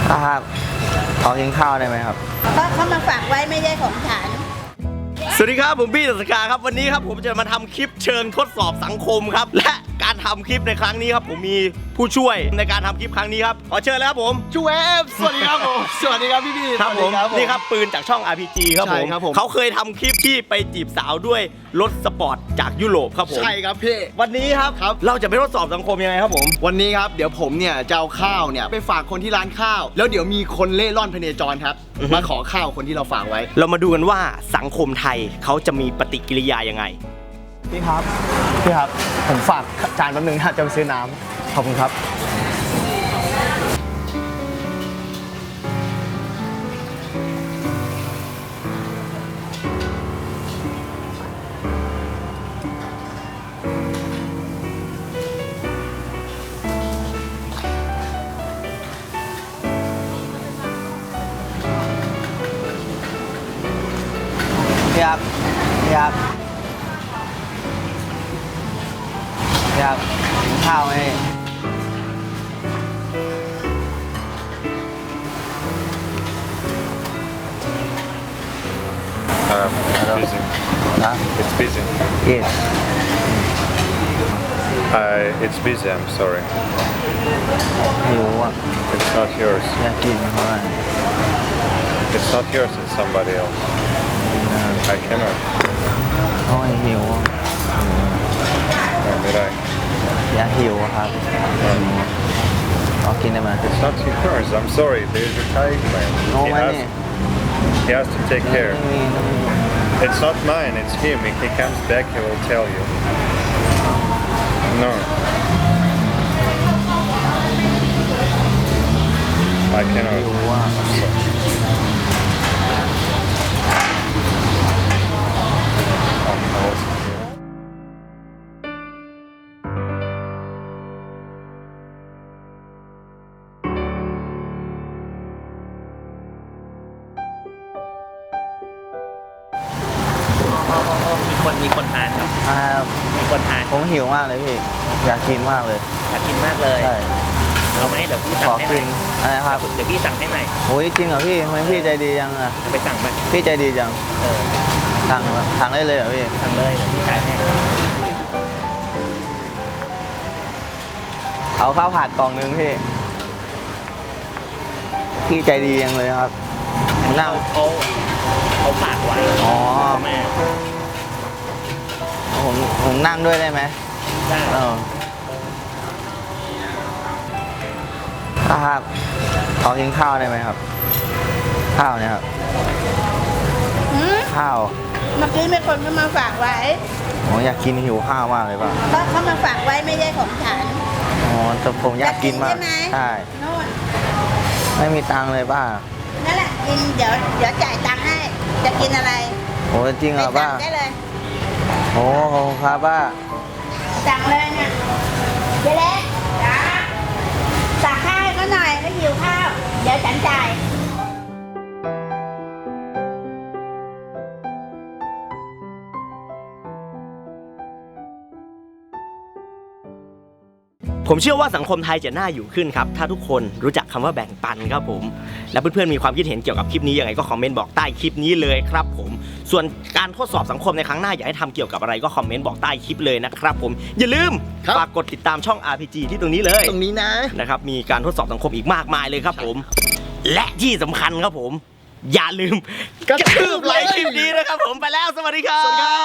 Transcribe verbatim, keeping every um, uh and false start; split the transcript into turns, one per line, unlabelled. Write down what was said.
ครับขอกินข้าวได้ไหมครับ
เพราะเขามาฝากไว้ไม่ใช่ของฉัน
สวัสดีครับผมพี่ศักดิ์ครับวันนี้ครับผมจะมาทำคลิปเชิงทดสอบสังคมครับและการทำคลิปในครั้งนี้ครับผมมีผู้ช่วยในการทำคลิปครั้งนี้ครับขอเชิญแล้วครับผม
จูเอฟสวัสดีครับผมสวัสดีครับพี่พี่
ครับผมนี่ครับปืนจากช่อง อาร์ พี จี ครับผมเขาเคยทำคลิปที่ไปจีบสาวด้วยรถสปอร์ตจากยุโรปครับผม
ใช่ครับพี่
วันนี้ครับ
ครับ
เราจะไปทดสอบสังคมยังไงครับผม
วันนี้ครับเดี๋ยวผมเนี่ยจะเอาข้าวเนี่ยไปฝากคนที่ร้านข้าวแล้วเดี๋ยวมีคนเล่ร่อนพเนจรครับมาขอข้าวคนที่เราฝากไว้
เรามาดูกันว่าสังคมไทยเขาจะมีปฏิกิริยายังไง
พี่ครับพี่ครับผมฝากจานแป๊บนึงนะจะไปซื้อน้ำขอบคุณครับ
พี่ครับพี่ครับพี่ครับกินข้าวไหม
Um, it's busy.
นะ
It's busy.
yes
Uh, it's busy. I'm sorry.
หิวอ่ะ
It's not yours.
อยากกินเพราะว่า
It's not yours. It's somebody else. I cannot.
เพราะว่าหิว
When did I?
อยากหิวครับขอกินได้ไหม
It's not yours. I'm sorry. There's a Thai man.
โน้
He
ไหม
has,
นี่
he has to take
ไม่
care.
มีไม่มี
It's not mine. It's him. If he comes back, he will tell you. No. I
หิ
cannot.
วอ่ะ
Um, I was-
มีคนมีคนทานครับ
อ่า
มีคนทาน
ผมหิวมากเลยพี่อยากกินมากเลย
อยากกินมากเลย
ใช่
เอาไหมเดี๋ยวพี่
ข
สั่
อง
ให้ให
กิ
ม่
นอะไรครับ
เดี๋ยวพี่สั่งให้ใหม่
โอ้ยจริงเหรอพี่ทำไมพี่ใจดีจังอ่ะ
ไปสั่งมา
พี่ใจดีจัง
เออ
สั่งสั่งได้เลยเหรอพี่
สั่งเลยเดี๋ยวพี่จ่ายให้
เอาข้าวผัดกล่องนึงพี่พี่ใจดีจังเลยครับนั่ง
เขาเขาฝากไว้
อ๋อ
แม่
ผมผมนั่งด้วยได้ไหม
ได้
เออครับขอกินข้าวได้ไหมครับ ข้าวเนี่ยครับ
หืม
ข้าว
เมื่อกี้มีคนเขามาฝากไว้
ผมอยากกินหิวข้าวมากเลยป่ะ
เพราะเขามาฝากไว้ไม่ใช่ของฉัน
อ๋อแต่ผมอยากกินมาก
ใช่ไหม
ใช่
โน่น
ไม่มีตังค์เลยป้า
นั่นแหละกินเดี๋ยวเดี๋ยวจ่ายตังค์ให้จะกินอะไร
โอ้จริงเหรอ
ไป
ป้า
สั่งได้เลย
โอ้ขอบคุณครับป้า
สั่งเลยเนี่ยเจ๊เล็กจ้าสั่งข้าวให้เขาหน่อยเขาหิวข้าวเดี๋ยวฉันจ่าย
ผมเชื่อว่าสังคมไทยจะน่าอยู่ขึ้นครับถ้าทุกคนรู้จักคำว่าแบ่งปันครับผมและเพื่อนๆมีความคิดเห็นเกี่ยวกับคลิปนี้ยังไงก็คอมเมนต์บอกใต้คลิปนี้เลยครับผมส่วนการทดสอบสังคมในครั้งหน้าอยากให้ทำเกี่ยวกับอะไรก็คอมเมนต์บอกใต้คลิปเลยนะครับผมอย่าลืมฝากกดติดตามช่อง อาร์ พี จี ที่ตรงนี้เลย
ตรงนี้นะ
นะครับมีการทดสอบสังคมอีกมากมายเลยครับผมและที่สำคัญครับผมอย่าลืมกระทืบไลค์คลิปนี้นะครับผมไปแล้วสวัสดีครับ